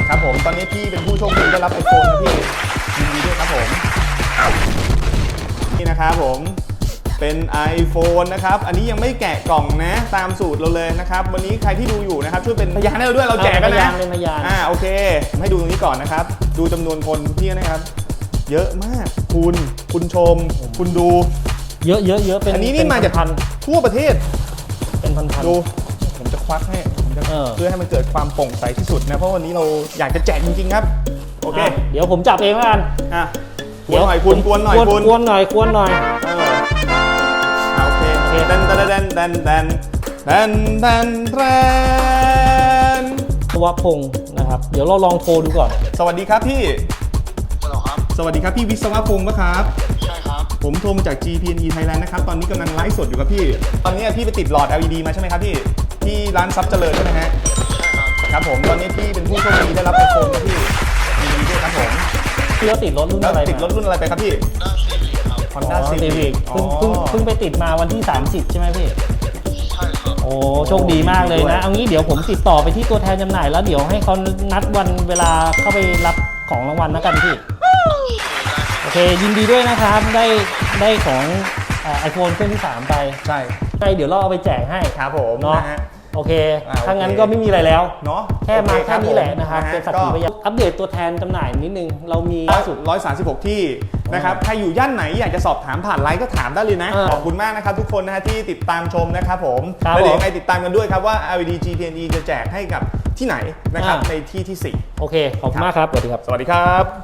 ครับผมตอนนี้พี่เป็นผู้โชคดีได้รับ iPhone นะพี่ยินดีด้วยครับผมนี่นะครับผมเป็น iPhone นะครับอันนี้ยังไม่แกะกล่องนะตามสูตรเราเลยนะครับวันนี้ใครที่ดูอยู่นะครับช่วยเป็นพยานให้เราด้วยเราแจกกันนะเป็นพยานโอเคผมให้ดูตรงนี้ก่อนนะครับดูจำนวนคนพี่นะครับเยอะมากคุณชมคุณดูเยอะเป็นอันนี้นี่มาจากทั่วประเทศเป็นพันดูผมจะควักให้ผมจะเพื่อให้มันเกิดความโปร่งใสที่สุดนะเพราะวันนี้เราอยากจะแจกจริงๆครับโอเคเดี๋ยวผมจับเองแล้วกันกวนหน่อยคุณกวนหน่อยคุณกวนหน่อยโอเคแดนวพงศ์นะครับเดี๋ยวเราลองโทรดูก่อนสวัสดีครับพี่สวัสดีครับพี่วิศวพงศ์ปะครับใช่ครับผมโทรมาจาก GPNE Thailand นะครับตอนนี้กำลังไลฟ์สดอยู่ครับพี่ตอนนี้พี่ไปติดหลอด LED มาใช่ไหมครับพี่ที่ร้านซับเจริญใช่ไหมฮะใช่ครับครับผมตอนนี้พี่เป็นผู้โชคดีได้รับ iPhone นะพี่ยินดีด้วยครับผมพี่ติดรถรุ่นอะไรไปครับพี่ Honda Civic เพิ่งไปติดมาวันที่30ใช่ไหมพี่ใช่ครับโอ้โชคดีมากเลยนะเอางี้เดี๋ยวผมติดต่อไปที่ตัวแทนจำหน่ายแล้วเดี๋ยวให้เขานัดวันเวลาเข้าไปรับของรางวัลแล้วกันพี่โอเคยินดีด้วยนะครับได้ของiPhone เครื่องที่3ไปใช่เดี๋ยวเราเอาไปแจกให้ครับผมเนาะโอเคถ้างั้นก็ไม่มีอะไรแล้วเนาะแค่มาแค่นี้แหละนะครับเป็นสักขีพยานอัปเดตตัวแทนจำหน่ายนิดนึงเรามีล่าสุด 136ที่นะครับใครอยู่ย่านไหนอยากจะสอบถามผ่านไลน์ก็ถามได้เลยนะขอบคุณมากนะครับทุกคนนะฮะที่ติดตามชมนะครับผมแล้วเดี๋ยวยังไงติดตามกันด้วยครับว่า LED GPNE จะแจกให้กับที่ไหนนะครับในที่ที่4 โอเคขอบคุณมากครับสวัสดีครับสวัสดีครับ